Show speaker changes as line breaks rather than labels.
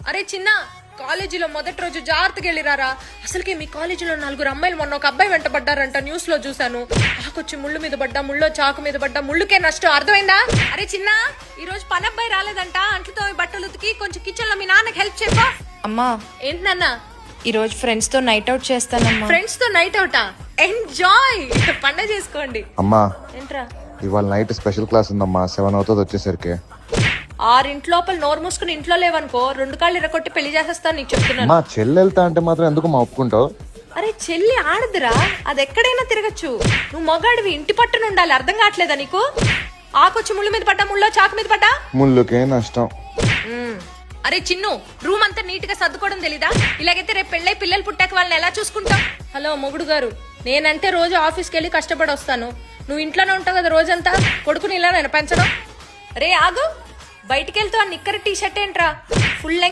అరే చిన్న, కాలేజీలో మొదటి రోజు జాగ్రత్తగా వెళ్ళిరారా. అసలుకి మీ కాలేజీలో 4 అమ్మాయిలు మొన్న ఒక అబ్బాయి వెంట పడ్డారంట, న్యూస్ లో చూసాను. ఆకొచ్చి ముళ్ళు మీద పడ్డా, ముళ్ళో చాకు మీద పడ్డా, ముళ్ళుకే నష్టం, అర్థమైందా? అరే చిన్న, ఈ రోజు పని అబ్బాయి రాలేదంట, అంట్లతో బట్టలు ఉతికి కొంచెం కిచెన్ లో మీ నాన్నకి హెల్ప్ చెప్పా.
అమ్మా,
ఏంటి నాన్న?
ఈ రోజు ఫ్రెండ్స్ తో నైట్ అవుట్ చేస్తానమ్మా.
ఫ్రెండ్స్ తో నైట్ అవుటా? ఎంజాయ్, పండగ చేసుకోండి.
అమ్మా,
ఏంట్రా?
ఇవాళ నైట్ స్పెషల్ క్లాస్ ఉందమ్మా, 7 అవుతుంది వచ్చేసరికి.
6 లోపల నోరు మూసుకుని ఇంట్లో లేవనుకో, 2 కాళ్ళు ఇరగొట్టి పెళ్లి చేసేస్తాను నీకు చెప్తున్నాను.
మా చెల్లి వెళ్తా అంటే మాత్రం ఎందుకు మా ఒప్పుకుంటావు?
అరే చెల్లి ఆడదురా, అది ఎక్కడైనా తిరగచ్చు. నువ్వు మొగాడివి, ఇంటి పట్టున ఉండాలి, అర్థం కావట్లేదా నీకు? ఆకొచ్చి ముళ్ళు మీద పడ్డా, ముళ్ళో చాకు మీద పడ్డా,
ముళ్ళుకే నష్టం.
అరే చిన్ను, రూమ్ అంతా నీట్ గా సర్దుకోవడం తెలీదా? ఇలాగైతే రేపు పెళ్ళై పిల్లలు పుట్టాక వాళ్ళని ఎలా చూసుకుంటాం? హలో మొగుడు గారు, నేనంటే రోజు ఆఫీస్కి వెళ్ళి కష్టపడి వస్తాను, నువ్వు ఇంట్లోనే ఉంటావు కదా రోజంతా, కొడుకుని ఇలా నేను పెంచడం. రే ఆగు, బయటికి వెళ్తావు, నిక్కర టీ షర్ట్ ఏంట్రా, ఫుల్